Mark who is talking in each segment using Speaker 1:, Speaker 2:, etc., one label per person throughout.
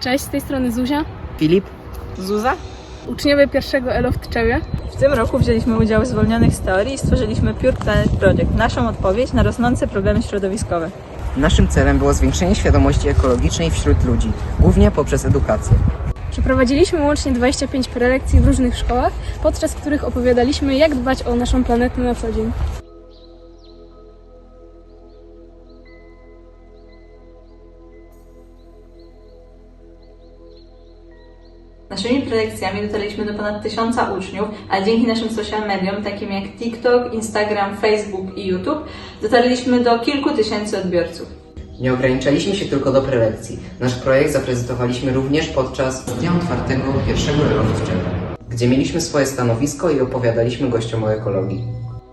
Speaker 1: Cześć, z tej strony Zuzia.
Speaker 2: Filip.
Speaker 3: Zuza.
Speaker 1: Uczniowie pierwszego ELO w Tczewie.
Speaker 3: W tym roku wzięliśmy udział w zwolnionych z teorii i stworzyliśmy Pure Planet Project, naszą odpowiedź na rosnące problemy środowiskowe.
Speaker 2: Naszym celem było zwiększenie świadomości ekologicznej wśród ludzi, głównie poprzez edukację.
Speaker 1: Przeprowadziliśmy łącznie 25 prelekcji w różnych szkołach, podczas których opowiadaliśmy, jak dbać o naszą planetę na co dzień.
Speaker 3: Naszymi prelekcjami dotarliśmy do ponad 1000 uczniów, a dzięki naszym social mediom, takim jak TikTok, Instagram, Facebook i YouTube, dotarliśmy do kilku tysięcy odbiorców.
Speaker 2: Nie ograniczaliśmy się tylko do prelekcji. Nasz projekt zaprezentowaliśmy również podczas Dnia Otwartego pierwszego ELO w Tczewie, gdzie mieliśmy swoje stanowisko i opowiadaliśmy gościom o ekologii.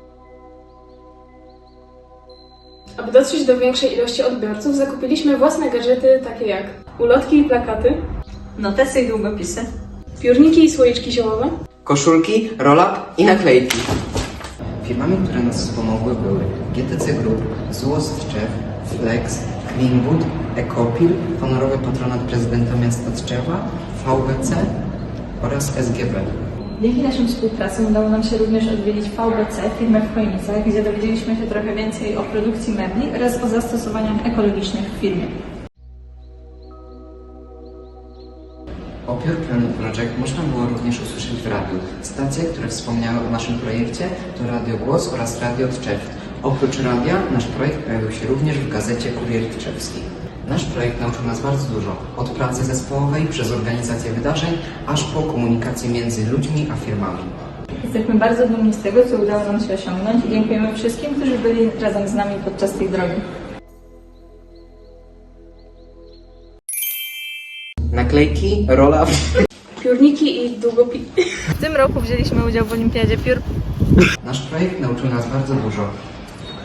Speaker 1: Aby dotrzeć do większej ilości odbiorców, zakupiliśmy własne gadżety takie jak ulotki i plakaty,
Speaker 3: Notesy i długopisy.
Speaker 1: piórniki i słoiczki ziołowe,
Speaker 2: Koszulki, roll-up i naklejki. Firmami, które nas wspomogły, były GTC Group, ZUOS w Tczew, Flex, Greenwood, Ecopil, honorowy patronat prezydenta miasta Tczewa, VBC oraz SGB.
Speaker 3: Dzięki naszym współpracom udało nam się również odwiedzić VBC, firmę w Chojnicach, gdzie dowiedzieliśmy się trochę więcej o produkcji mebli oraz o zastosowaniach ekologicznych w firmie.
Speaker 2: O Pure Planet Project można było również usłyszeć w radiu. Stacje, które wspomniały o naszym projekcie to Radio Głos oraz Radio Tczew. Oprócz radia, nasz projekt pojawił się również w gazecie Kurier Tczewski. Nasz projekt nauczył nas bardzo dużo, od pracy zespołowej przez organizację wydarzeń, aż po komunikację między ludźmi a firmami.
Speaker 3: Jesteśmy bardzo dumni z tego, co udało nam się osiągnąć i dziękujemy wszystkim, którzy byli razem z nami podczas tej drogi.
Speaker 2: Naklejki, roll-up.
Speaker 1: piórniki i długopisy.
Speaker 3: W tym roku wzięliśmy udział w Olimpiadzie Pure.
Speaker 2: Nasz projekt nauczył nas bardzo dużo.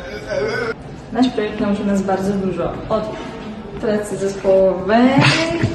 Speaker 3: Nasz projekt nauczył nas bardzo dużo od pracy zespołowej